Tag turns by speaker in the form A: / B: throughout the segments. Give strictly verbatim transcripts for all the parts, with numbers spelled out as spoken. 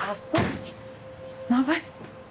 A: Aslı, ne haber?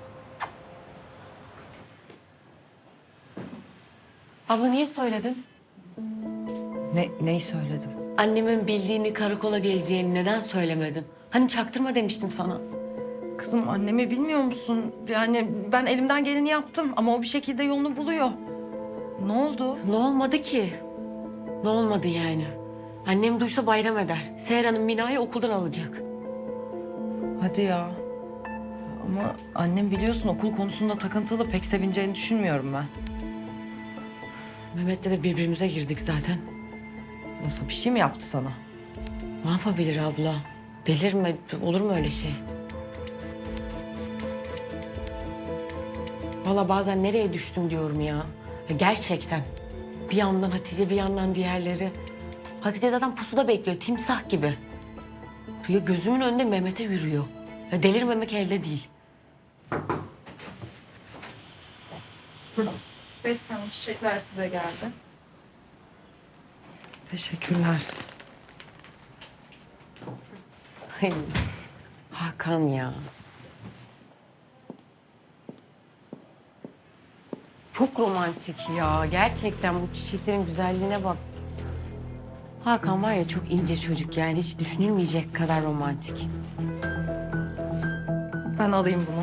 B: Abla niye söyledin?
A: Ne, neyi söyledim?
B: Annemin bildiğini, karakola geleceğini neden söylemedin? Hani çaktırma demiştim sana.
A: Kızım annemi bilmiyor musun? Yani ben elimden geleni yaptım ama o bir şekilde yolunu buluyor. Ne oldu?
B: Ne olmadı ki? Ne olmadı yani? Annem duysa bayram eder. Seher Hanım Mina'yı okuldan alacak.
A: Hadi ya. Ama annem biliyorsun okul konusunda takıntılı, pek sevineceğini düşünmüyorum ben.
B: Mehmet'le de birbirimize girdik zaten.
A: Nasıl, bir şey mi yaptı sana?
B: Ne yapabilir abla? Delirme, olur mu öyle şey? Vallahi bazen nereye düştüm diyorum ya. Ya gerçekten. Bir yandan Hatice, bir yandan diğerleri. Hatice zaten pusuda bekliyor, timsah gibi. Ya gözümün önünde Mehmet'e yürüyor. Ya delirmemek elde değil.
C: Beste Hanım, çiçekler size geldi.
A: Teşekkürler.
B: Ay, Hakan ya. Çok romantik ya. Gerçekten bu çiçeklerin güzelliğine bak. Hakan var ya, çok ince çocuk yani, hiç düşünülmeyecek kadar romantik.
A: Ben alayım bunu.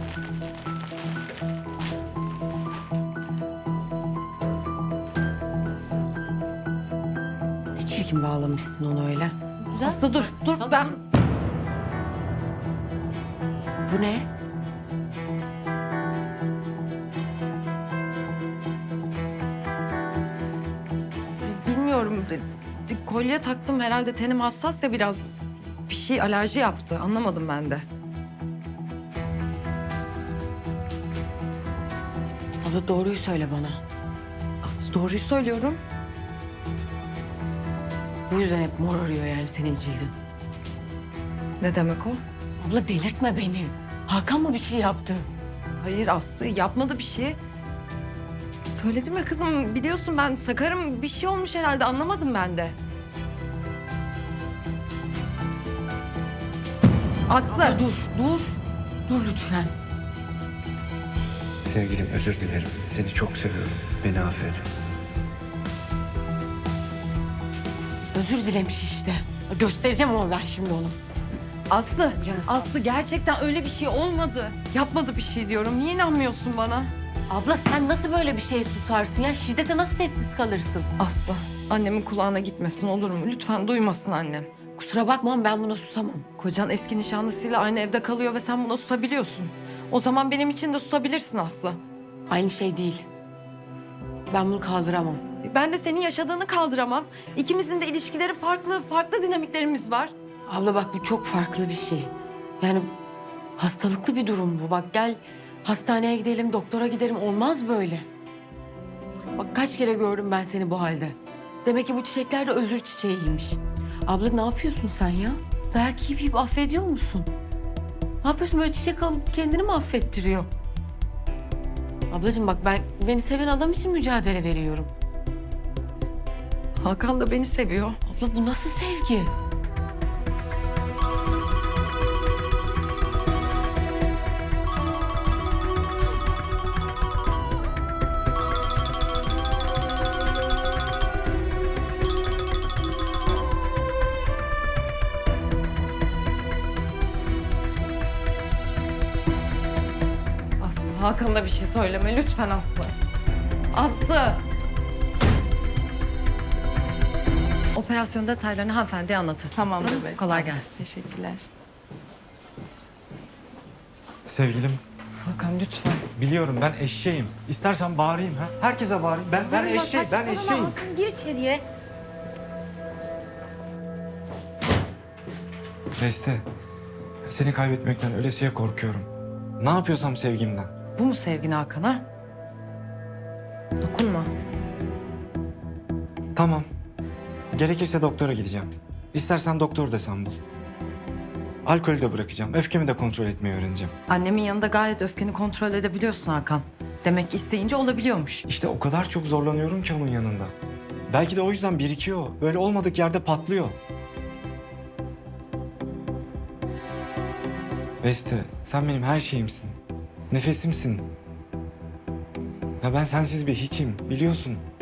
B: Ne çirkin bağlamışsın onu öyle. Güzel.
A: Aslı dur, dur
B: Tamam.
A: ben...
B: Bu ne?
A: Bilmiyorum. de- de- Kolye taktım herhalde, tenim hassas ya biraz. Bir şey alerji yaptı, anlamadım ben de.
B: Abla doğruyu söyle bana.
A: Aslı doğruyu söylüyorum.
B: Bu yüzden hep mor arıyor yani senin cildin.
A: Ne demek o?
B: Abla delirtme beni. Hakan mı bir şey yaptı?
A: Hayır Aslı yapmadı bir şey. Söyledim ya kızım, biliyorsun ben sakarım, bir şey olmuş herhalde, anlamadım ben de. Aslı.
B: Abla dur, dur. Dur lütfen.
D: Sevgilim özür dilerim. Seni çok seviyorum. Beni affet.
B: Özür dilemiş işte. Göstereceğim ama ben şimdi onu.
A: Aslı,
B: Canım sağ ol.
A: Aslı gerçekten öyle bir şey olmadı. Yapmadı bir şey diyorum. Niye inanmıyorsun bana?
B: Abla sen nasıl böyle bir şeye susarsın ya? Şiddete nasıl sessiz kalırsın?
A: Aslı, annemin kulağına gitmesin olur mu? Lütfen duymasın annem.
B: Kusura bakma ama ben buna susamam.
A: Kocan eski nişanlısıyla aynı evde kalıyor ve sen buna susabiliyorsun. O zaman benim için de susabilirsin Aslı.
B: Aynı şey değil. Ben bunu kaldıramam.
A: Ben de senin yaşadığını kaldıramam. İkimizin de ilişkileri farklı, farklı dinamiklerimiz var.
B: Abla bak, bu çok farklı bir şey. Yani hastalıklı bir durum bu. Bak gel hastaneye gidelim, doktora gidelim. Olmaz böyle. Bak kaç kere gördüm ben seni bu halde. Demek ki bu çiçekler de özür çiçeğiymiş. Abla ne yapıyorsun sen ya? Dayak yiyip yiyip affediyor musun? Ne yapıyorsun, böyle çiçek alıp kendini mi affettiriyor? Ablacığım bak, ben beni seven adam için mücadele veriyorum.
A: Hakan da beni seviyor.
B: Abla bu nasıl sevgi?
A: Aslı, Hakan'a bir şey söyleme lütfen Aslı. Aslı! Operasyon detaylarını hanımefendiye anlatırsınız.
C: Tamamdır
A: değil mi?
C: Beste.
A: Kolay gelsin.
C: Teşekkürler.
D: Sevgilim,
A: Hakan lütfen.
D: biliyorum ben eşeğim. İstersen bağırayım ha. Herkese bağırayım. Ben ben eşeğim, ben eşeğim.
A: Hakan gir içeriye.
D: Beste, seni kaybetmekten ölesiye korkuyorum. Ne yapıyorsam sevgimden.
A: Bu mu sevgin Hakan'a? Dokunma.
D: Tamam. Gerekirse doktora gideceğim. İstersen doktor da sen bul. Alkolü de bırakacağım. Öfkemi de kontrol etmeyi öğreneceğim.
A: Annemin yanında gayet öfkeni kontrol edebiliyorsun Hakan. Demek ki isteyince olabiliyormuş.
D: İşte o kadar çok zorlanıyorum ki onun yanında. Belki de o yüzden birikiyor. Böyle olmadık yerde patlıyor. Beste, sen benim her şeyimsin. Nefesimsin. Ya ben sensiz bir hiçim, biliyorsun.